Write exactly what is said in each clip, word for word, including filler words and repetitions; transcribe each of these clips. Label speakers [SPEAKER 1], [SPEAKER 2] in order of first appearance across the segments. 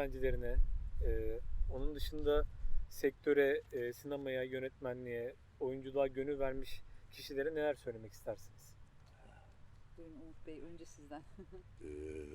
[SPEAKER 1] öğrencilerine, e, onun dışında sektöre, e, sinemaya, yönetmenliğe, oyunculuğa gönül vermiş kişilere neler söylemek istersiniz?
[SPEAKER 2] Buyurun Umut Bey, önce sizden.
[SPEAKER 3] Ee,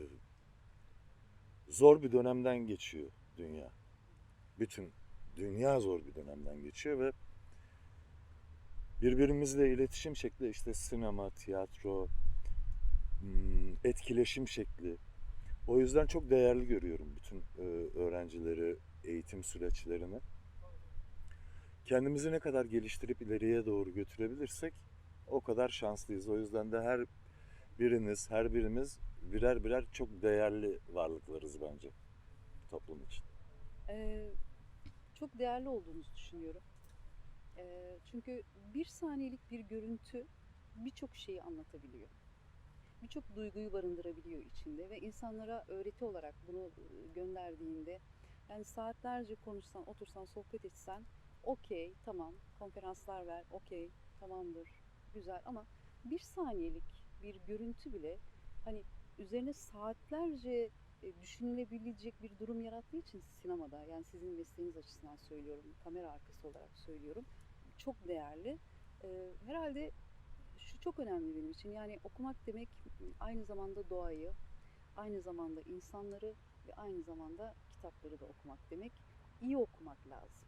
[SPEAKER 3] zor bir dönemden geçiyor dünya. Bütün dünya zor bir dönemden geçiyor ve birbirimizle iletişim şekli işte sinema, tiyatro, hmm, etkileşim şekli. O yüzden çok değerli görüyorum bütün e, öğrencileri, eğitim süreçlerini. Kendimizi ne kadar geliştirip ileriye doğru götürebilirsek o kadar şanslıyız. O yüzden de her biriniz, her birimiz birer birer çok değerli varlıklarız bence toplum için.
[SPEAKER 2] Ee, çok değerli olduğunuzu düşünüyorum. Ee, çünkü bir saniyelik bir görüntü birçok şeyi anlatabiliyor. Birçok duyguyu barındırabiliyor içinde ve insanlara öğreti olarak bunu e, gönderdiğinde, yani saatlerce konuşsan, otursan, sohbet etsen, okey, tamam, konferanslar ver, okey, tamamdır, güzel, ama bir saniyelik bir görüntü bile hani üzerine saatlerce e, düşünülebilecek bir durum yarattığı için sinemada, yani sizin mesleğiniz açısından söylüyorum, kamera arkası olarak söylüyorum, çok değerli. Ee, herhalde şu çok önemli benim için. Yani okumak demek aynı zamanda doğayı, aynı zamanda insanları ve aynı zamanda kitapları da okumak demek. İyi okumak lazım.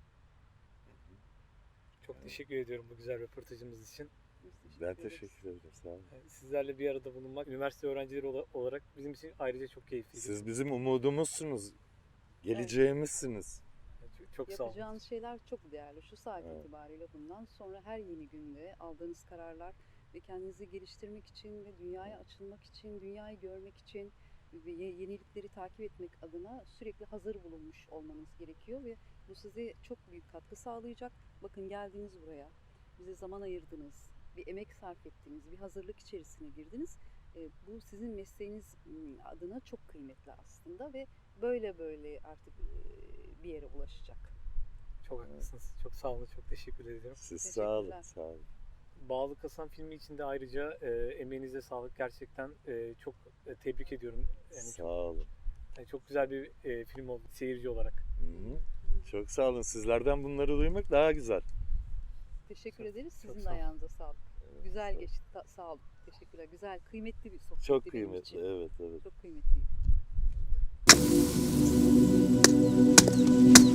[SPEAKER 1] Çok
[SPEAKER 3] Evet.
[SPEAKER 1] teşekkür ediyorum bu güzel röportajımız için.
[SPEAKER 2] Biz teşekkür
[SPEAKER 3] Ben
[SPEAKER 2] ederiz.
[SPEAKER 3] teşekkür ederim. Sağ olun.
[SPEAKER 1] Yani sizlerle bir arada bulunmak, üniversite öğrencileri ola- olarak bizim için ayrıca çok keyifliydi.
[SPEAKER 3] Siz bizim umudumuzsunuz. Geleceğimizsiniz.
[SPEAKER 1] Çok, çok sağ olun.
[SPEAKER 2] Yapacağınız şeyler çok değerli. Şu saat
[SPEAKER 3] Evet.
[SPEAKER 2] itibariyle bundan sonra her yeni günde aldığınız kararlar ve kendinizi geliştirmek için ve dünyaya açılmak için, dünyayı görmek için ve ye- yenilikleri takip etmek adına sürekli hazır bulunmuş olmanız gerekiyor ve bu size çok büyük katkı sağlayacak. Bakın, geldiniz buraya, bize zaman ayırdınız, bir emek sarf ettiniz, bir hazırlık içerisine girdiniz. E, bu sizin mesleğiniz m, adına çok kıymetli aslında ve böyle böyle artık e, bir yere ulaşacak.
[SPEAKER 1] Çok haklısınız. Çok sağ olun. Çok teşekkür ediyorum.
[SPEAKER 3] Siz sağ olun.
[SPEAKER 2] Teşekkürler.
[SPEAKER 3] Sağ olun.
[SPEAKER 1] Bağlı Kasan filmi için de ayrıca e, emeğinize sağlık. Gerçekten e, çok e, tebrik ediyorum. Yani
[SPEAKER 3] Sağ
[SPEAKER 1] çok,
[SPEAKER 3] olun.
[SPEAKER 1] yani çok güzel bir e, film oldu seyirci olarak.
[SPEAKER 3] Hı-hı. Çok sağ olun. Sizlerden bunları duymak daha güzel.
[SPEAKER 2] Teşekkür
[SPEAKER 1] Çok-
[SPEAKER 2] ederiz.
[SPEAKER 1] çok
[SPEAKER 2] Sizin de
[SPEAKER 1] sağ ol.
[SPEAKER 2] ayağınıza sağlık.
[SPEAKER 3] Evet,
[SPEAKER 2] Güzel
[SPEAKER 3] çok-
[SPEAKER 2] geçti. Ta- sağ olun. Teşekkürler. Güzel, kıymetli bir sohbetti
[SPEAKER 3] Çok
[SPEAKER 2] benim
[SPEAKER 3] kıymetli.
[SPEAKER 2] için.
[SPEAKER 3] Evet, evet.
[SPEAKER 2] Çok kıymetliydi.